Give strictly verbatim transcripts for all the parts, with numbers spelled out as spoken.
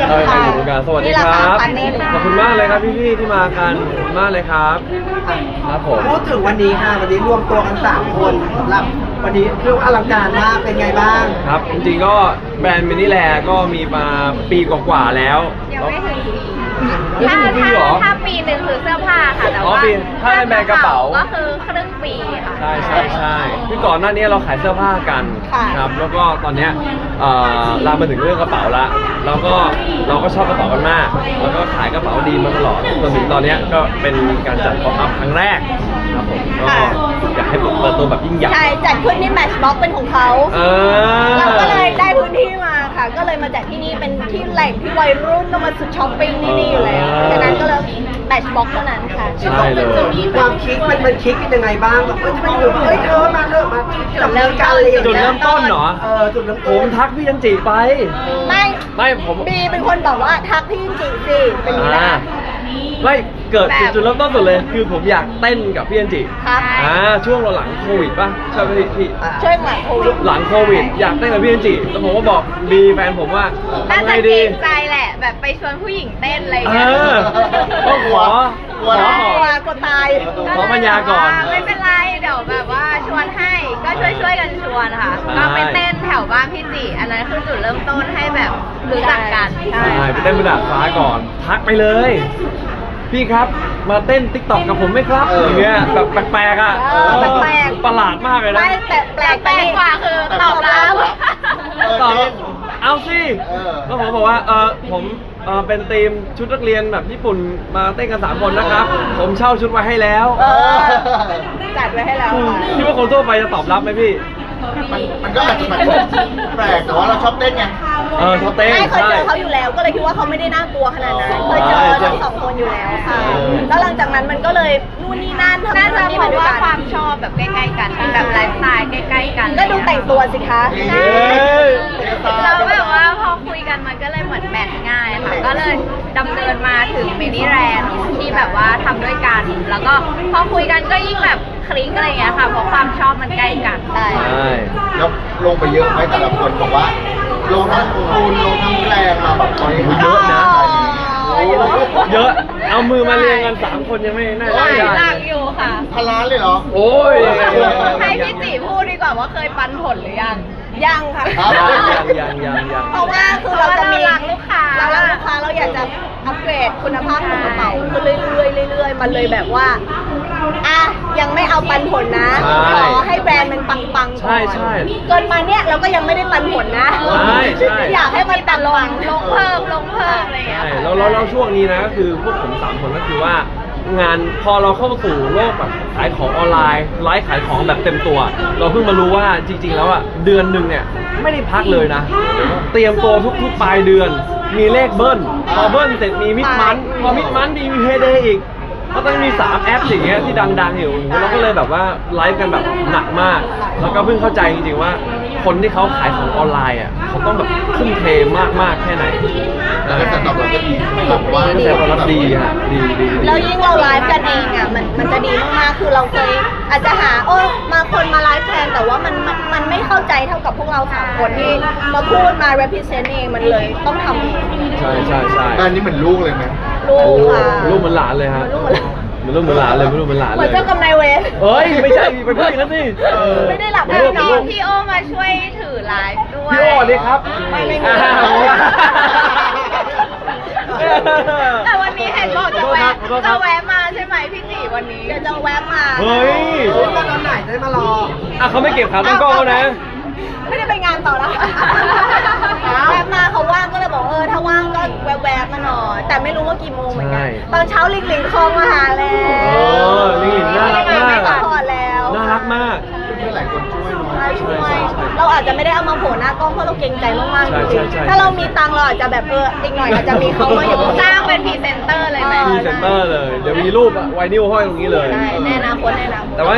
เอออยู่วงการสวัสดีครับขอบคุณมากเลยครับพี่ๆที่มากันขอบคุณมากเลยครับครับผมพูดถึงวันนี้ค่ะวันนี้รวมตัวกันสามคนสำหรับวันนี้เรียกว่าอลังการมากเป็นไงบ้างครับจริงๆก็แบรนด์มินิแลก็มีมาปีกว่าๆแล้วยังไม่ถึงปีถ้าถ้าถ้าปีหนึ่งคือเสื้อผ้าค่ะแต่ว่าถ้าเป็นแบรนด์กระเป๋าก็คือครึ่งปีค่ะใช่ใช่ใช่คือก่อนหน้านี้เราขายเสื้อผ้ากันครับแล้วก็ตอนเนี้ยเรามาถึงเรื่องกระเป๋าละแล้วก็เราก็ชอบกระเป๋ากันมากแล้วก็ขายกระเป๋าดีมาตลอดจนถึงตอนนี้ก็เป็นการจัดป๊อปอัพครั้งแรกครับผมก็อยากให้เปิดตัวแบบยิ่งใหญ่ใช่จัดขึ้นที่ Matchbox เป็นของเขาเราก็เลยได้พื้นที่มาค่ะก็เลยมาจัดที่นี่เป็นที่แหล่งที่วัยรุ่นต้องมาสุดช้อปปิ้งที่นี่อยู่แล้วดังนั้นก็เลย Matchbox เท่านั้นค่ะใช่เลยจะมีความคิดมันมันคิดกันยังไงบ้างแบบเอ้ยทำไมอยู่เฮ้ยเธอมาเธอมาจับมือกันเลยจุดเริ่มต้นเหรอเออจุดเริ่มต้นผมทักพี่ยันจีไปไม่ไม่ผมบีเป็นคนบอกว่าทักพี่ยันจีสิเป็นอย่างนี้นะไม่เกิดจุดเริ่มต้นสุดเลยคือผมอยากเต้นกับพี่ยันจีครับอ่าช่วงเราหลังโควิดป่ะใช่ไหมพี่ช่วงหลังโควิดหลังโควิดอยากเต้นกับพี่ยันจีแล้วผมก็บอกบีแฟนผมว่าน่าจะเกรงใจแหละแบบไปชวนผู้หญิงเต้นอะไรเงี้ยต้องขอขอขอกดตายขอปัญญาก่อนไม่เป็นไรเดี๋ยวแบบว่าชวนให้ก็ช่วยช่วยกันชวนค่ะก็ไปเต้นแถวบ้านพี่จีอันนั้นคือจุดเริ่มต้นให้แบบรู้จักกันใช่ไปเต้นบนดาดฟ้าก่อนทักไปเลยพี่ครับมาเต้นติ๊กต็อกกับผมไหมครับอย่างเงี้ยแบบแปลกๆอ่ะแปลกประหลาดมากเลยนะไม่แต่แปลกแปลกกว่าคือตอบรับตอบเอาสิแล้วผมบอกว่าเออผมเออเป็นทีมชุดนักเรียนแบบญี่ปุ่นมาเต้นกันสามคนนะครับผมเช่าชุดไว้ให้แล้วจัดไว้ให้แล้วคิดว่าคนทั่วไปจะตอบรับไหมพี่มันมันก็อาจจะแบบแปลกแต่ว่าเราชอบเต้นไงเออชอบเต้นไม่เคยเจอเขาอยู่แล้วก็เลยคิดว่าเขาไม่ได้น่ากลัวขนาดนั้นเคยเจอทั้งสองคนอยู่แล้วค่ะแล้วหลังจากนั้นมันก็เลยนู่นนี่นั่นทำน่าจะเพราะว่าความชอบแบบใกล้ๆกันแบบไลฟ์สไตล์ใกล้ๆกันก็ดูแต่งตัวสิคะใช่แล้วแบบว่าพอคุยกันมันก็เลยเหมือนแมทง่ายค่ะก็เลยดำเนินมาถึงมินิแรนด์ที่แบบว่าทำด้วยกันแล้วก็พอคุยกันก็ยิ่งแบบคลิกอะไรอย่างเงี้ยค่ะเพราะความชอบมันใกล้กันใช่แล้วลงไปเยอะไหมแต่ละคนบอกว่าลงทั้งคูณลงทั้งแรงมาแบบตอนนี้เยอะนะเยอะเอามือมาเรียงกันสามคนยังไม่น่าจะได้หลักอยู่ค่ะพันล้านเลยเหรอโอ้ยให้พี่จีพูดดีกว่าว่าเคยปันผลหรือยังยังค่ะยังยังยังยังเพราะว่าคือเราจะมีรักลูกค้าเรารักลูกค้าเราอยากจะอัปเกรดคุณภาพของกระเป๋าขึ้นเรื่อยๆเรื่อยๆมันเลยแบบว่าอ่ะยังไม่เอาปันผลนะขอให้แบรนด์มันปังๆก่อนใช่ใช่เกินมาเนี้ยเราก็ยังไม่ได้ปันผลนะใช่ใช่อยากให้มันปังลงลงเพิ่มลงเพิ่มอะไรอย่างเงี้ยใช่แล้วแล้วช่วงนี้นะก็คือพวกผมสามคนก็คือว่างานพอเราเข้าสู่โลกแบบขายของออนไลน์ไลฟ์ขายของแบบเต็มตัวเราเพิ่งมารู้ว่าจริงๆแล้วอ่ะเดือนหนึ่งเนี่ยไม่ได้พักเลยนะเตรียมตัวทุกๆปลายเดือนมีเลขเบิ้ลพอเบิ้ลเสร็จมีมิดมันพอมิดมันมีเฮเดย์อีกก็ต้องมีสามแอปอย่างเงี้ยที่ดังๆอยู่เราก็เลยแบบว่าไลฟ์กันแบบหนักมากแล้วก็เพิ่งเข้าใจจริงๆว่าคนที่เขาขายของออนไลน์อ่ะเขาต้องแบบทุ่มเทมากๆแค่ไหนแล้วก็ตอบรับก็ดีแบบว่าก็จะตอบรับดีฮะดีดีแล้วยิ่งเราไลฟ์กันเองอ่ะมันมันจะดีมากๆคือเราเคยอาจจะหาโอ้มาคนมาไลฟ์แทนแต่ว่ามันมันมันไม่เข้าใจเท่ากับพวกเราสามคนที่มาพูดมา represent เองมันเลยต้องทำใช่ใช่ใช่อันนี้เหมือนลูกเลยไหมลูกค่ะลูกเหมือนหลานเลยฮะมันลูกเหมือนหลานเลยมันลูกเหมือนหลานเลยเหมือนเจ้ากรรมนายเวรเฮ้ยไม่ใช่ไปพูดอย่างนั้นสิไม่ได้หลับไม่นอนพี่โอมาช่วยถือไลฟ์ด้วยพี่โอดีครับไม่ไม่มีแต่วันนี้เห็นบอกจะแวะจะแวะมาใช่ไหมพี่จีวันนี้เดี๋ยวจะแวะมาเฮ้ยมาตอนไหนจะได้มารออ่ะเขาไม่เก็บขาตั้งกล้องแล้วนะไม่ได้ไปงานต่อแล้วแวะมาเขาว่างก็เลยบอกเออถ้าว่างก็แวะๆมาหน่อยแต่ไม่รู้ว่ากี่โมงเหมือนกันตอนเช้าลิงลิงคลองมาหาแล้วโอ้ลิงลิงน่ารักมากน่ารักมากหลายคนช่วยช่วยเราอาจจะไม่ได้เอามาโผล่หน้ากล้องเพราะเราเกรงใจมากๆจริงๆถ้าเรามีตังเราอาจจะแบบเอออีกหน่อยอาจจะมีเขามาอยู่จ้างเป็นพรีเซนเตอร์เลยไหมพรีเซนเตอร์เลยเดี๋ยวมีรูปไวนิลห้อยตรงนี้เลยแน่นะคนแน่นะแต่ว่า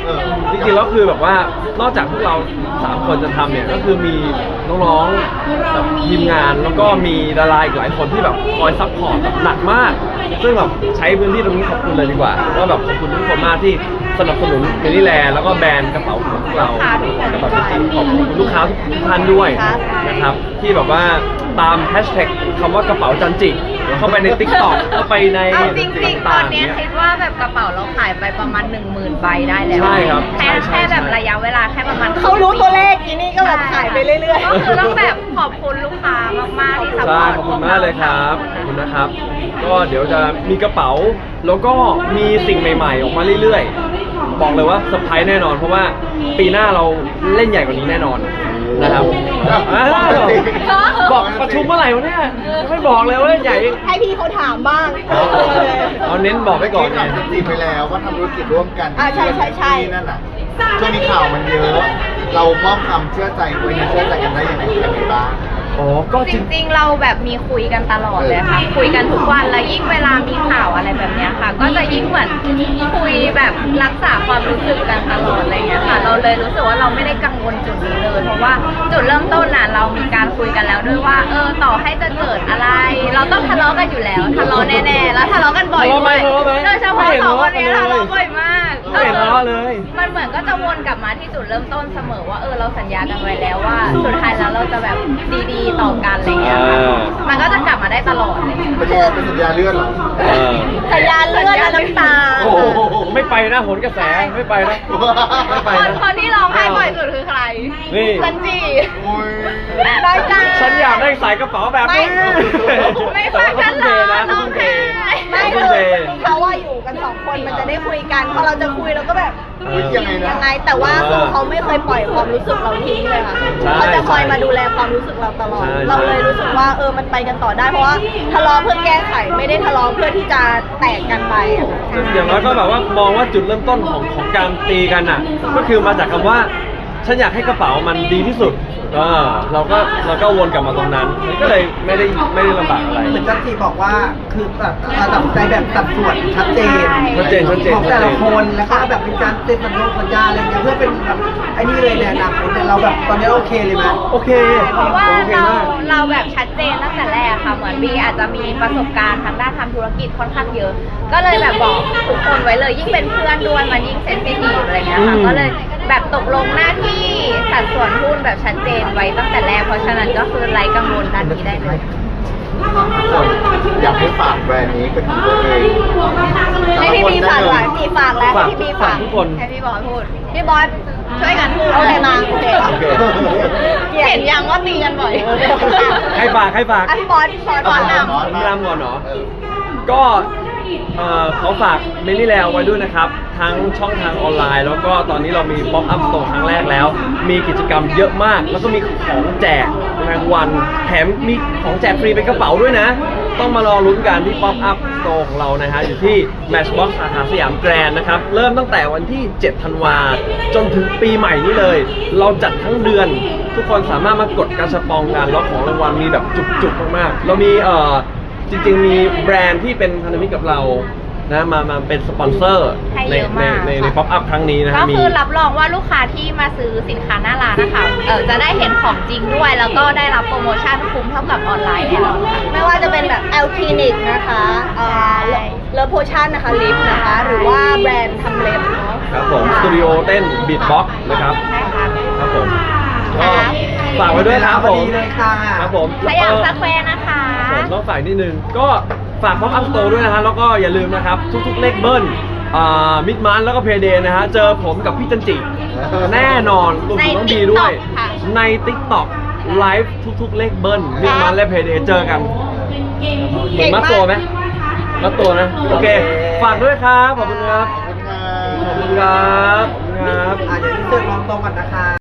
จริงๆแล้วคือแบบว่านอกจากพวกเราสามคนจะทำเนี่ยก็คือมีน้องๆแบบทีมงานแล้วก็มีดาราอีกหลายคนที่แบบคอยซัพพอร์ตแบบหนักมาก ซึ่งแบบใช้พื้นที่ตรงนี้ขอบคุณเลยดีกว่าว่าแบบขอบคุณทุกคนมากที่สนับสนุนเมลี่แลแล้วก็แบรนด์กระเป๋าของพวกเราแล้วแบบจริงๆขอบคุณลูกค้าทุกท่านด้วยนะครับที่แบบว่าตามแฮชแท็กคำว่ากระเป๋าจันจิเข้าไปใน ติ๊กต็อก เข้าไปในเอาจริงๆตอนเนี้ยต่างๆคิดว่าแบบกระเป๋าเราขายไปประมาณหนึ่งหมื่นใบได้แล้วใช่ครับแค่ใช่ใช่แค่แบบใช่ระยะเวลาแค่ประมาณเขารู้ตัวเลขอีนี่ก็แบบขายไปเรื่อยๆก็คือต้องแบบขอบคุณลูกค้ามากๆที่ซัพพใช่อร์ตขอบคุณมากเลยครับขอบคุณนะครับ ก็เดี๋ยวจะมีกระเป๋าแล้วก็มีสิ่งใหม่ๆ ออกมาเรื่อยๆ บอกเลยว่าเซอร์ไพรส์แน่นอน เพราะว่าปีหน้าเราเล่นใหญ่กว่านี้แน่นอนนะครับอ้าวบอกประชุมเมื่อไหร่วะเนี่ยยังไม่บอกเลยว่าเล่นใหญ่ให้พี่เขาถามบ้างอ๋อเอาเน้นบอกไว้ก่อนไงที่ทำจีบไปแล้วว่าทำธุรกิจร่วมกันอ่าใช่ใช่ใช่ที่นั่นน่ะช่วงนี้ข่าวมันเยอะ เรามอบความเชื่อใจคุยเชื่อใจกันได้ยังไงยังไงบ้างอ๋อ ก็จจริงริงๆ เราแบบมีคุยกันตลอดเลยค่ะ คุยกันทุกวันแล้วยิ่งเวลามีข่าวอะไรแบบเนี้ยค่ะ ก็จะยิ่งเหมือนคุยแบบรักษาความรู้สึกกันตลอดอะไรเงี้ยค่ะ เราเลยรู้สึกว่าเราไม่ได้กังวลจุดนี้เลย เพราะว่าจุดเริ่มต้นน่ะเรามีการคุยกันแล้วด้วยว่า เออต่อให้จะเกิดอะไร เราต้องทะเลาะกันอยู่แล้วทะเลาะแน่ๆแล้วทะเลาะกันบ่อยทะเลาะไหมด้วยทะเลาะไหมโดยเฉพาะสองคนนี้ไม่เห็นทะทะเลาะเลาะบ่อยมากไม่เห็นทะเลาะเลยมันเหมือนก็จะวนกลับมาที่จุดเริ่มต้นเสมอว่าเออเราสัญญากันไว้แล้วว่า สุดท้ายแล้วเราจะแบบดีๆต่อกันอะไรเงี้ยค่ะเออมันก็จะกลับมาได้ตลอดเลยเป็นยังไงเป็นสัญญาเลื่อนเหรอเออสัญญาณเลือดและน้ำตาโอ้โหไม่ไปนะโหนกระแสไม่ไปนะไม่ไปคนนะคนที่ร้องไห้บ่อยสุดคือใครนี่ซันจีโอ้ยได้จ้าฉันอยากได้สายกระเป๋าแบบนี้ไม่ฟังฉันเหรอร้องไห้ไม่ไม่คืเทอเขาว่าอยู่กันสองคนมันจะได้คุยกันพอเราจะคุยเราก็แบบเฮ้ยยังไงนะยังไงแต่ว่าคือเขาไม่เคยปล่อยความรู้สึกเราทิ้งเลยค่ะใช่เขาจะคอยมาดูแลความรู้สึกเราตลอดใช่เราเลยรู้สึกว่าเออมันไปกันต่อได้เพราะว่าทะเลาะเพื่อแก้ไขไม่ได้ทะเลาะเพื่อที่จะแตกกันไปอะค่ะอย่างน้อยก็แบบว่ามองว่าจุดเริ่มต้นของของการตีกันอ่ะ ก็คือมาจากคำว่า ฉันอยากให้กระเป๋ามันดีที่สุดเออเราก็เราก็วนกลับมาตรงนั้นมันก็เลยไม่ได้ไม่ได้ลำบากอะไรเหมือนจันทีบอกว่าคือแบบตัดสินใจแบบสัดส่วนชัดเจนชัดเจนชัดเจนของแต่ละคนแล้วก็แบบเป็นการเซ็นสัญญาสัญญาอะไรเงี้ยเพื่อเป็นแบบไอ้นี่เลยในอนาคตเนี่ยเราแบบตอนนี้โอเคเลยไหมโอเคเพราะว่าโอเคเรามากเราแบบชัดเจนตั้งแต่แรกค่ะเหมือนบีอาจจะมีประสบการณ์ทางด้านทำธุรกิจค่อนข้างเยอะ ก็เลยแบบบอกทุกคนไว้เลยยิ่งเป็นเพื่อนด้วยมันยิ่งเซนซิทีฟอะไรเงี้ยค่ะอืมก็เลยแบบตกลงหน้าที่สัดส่วนหุ้นแบบชัดเจนไว้ตั้งแต่แรกเพราะฉะนั้นก็คือไร้กังวลด้านนี้ได้เลยทุกคนอยากให้ฝากแบรนด์นี้เป็นของตัวเองให้พี่บีฝากหน่อยพี่บีฝากแล้วให้พี่บีฝากทุกคนให้พี่บอยพูดพี่บอสช่วยกันพูดโอเคมาโอเคโอเคเห็นยังว่าตีกันบ่อยใครฝากใครฝากอ่ะพี่บอสพี่บอสก่อนนำผมรำก่อนเนาะก็เอ่อขอฝากเมลี่แลไว้ด้วยนะครับ ทั้งช่องทางออนไลน์ แล้วก็ตอนนี้เรามีป๊อปอัพสโตร์ครั้งแรกแล้ว มีกิจกรรมเยอะมาก แล้วก็มีของแจกรางวัลแถมมีของแจกฟรีเป็นกระเป๋าด้วยนะ ต้องมารอลุ้นกันที่ป๊อปอัพสโตร์ของเรานะฮะอยู่ที่ Matchbox สาขาสยามแกรนด์นะครับ เริ่มตั้งแต่วันที่ เจ็ด ธันวาจนถึงปีใหม่นี้เลย เราจัดทั้งเดือน ทุกคนสามารถมากดกระชับปองกันแล้วของรางวัลมีแบบจุกๆมากๆเรามีเอ่อ จริงๆ มีแบรนด์ที่เป็นพันธมิตรกับเรานะมามาเป็นสปอนเซอร์ให้ในเยอะในมากในในค่ะป๊อปอัพครั้งนี้นะก็ฮะมีคือรับรองว่าลูกค้าที่มาซื้อสินค้าหน้าร้านนะคะเออจะได้เห็นของจริงด้วย แล้วก็ได้รับโปรโมชั่นคุ้มเท่ากับออนไลน์แน่นอนค่ะไม่ว่าจะเป็นแบบแอลคลินิกนะคะเอ่อใช่เลอโพชั่นนะคะลิปนะคะ หรือว่าแบรนด์ทำเล็บเนาะครับผมสตูดิโอเต้นบีทบ็อกนะครับใช่ครับครับผมก็ฝากไว้ด้วยครับพผอมดีเลยค่ะครับผมสยามเอ่อสแควร์นะคะผมต้องฝากนิดนึง ก็ฝากป๊อปอัพสโตร์ด้วยนะฮะแล้วก็อย่าลืมนะครับ ทุกๆเลขเบิ้ลอ่ามิดมันแล้วก็เพเดนะฮะเจอผมกับพี่จันจิ แน่นอนรวมถึงน้องดีด้วย TikTok ค่ะใน TikTok ไลฟ์ทุกๆเลขเบิ้ลมิดมันและเพเดเจอกันเหมือนมัดตัวไหมมัดตัวนะ โอเค ฝากด้วยครับ ขอบคุณครับขอบคุณค่ะขอบคุณครับ ขอบคุณครับอ่ะเดี๋ยวที่เสิร์ฟลองตรงก่อนนะคะ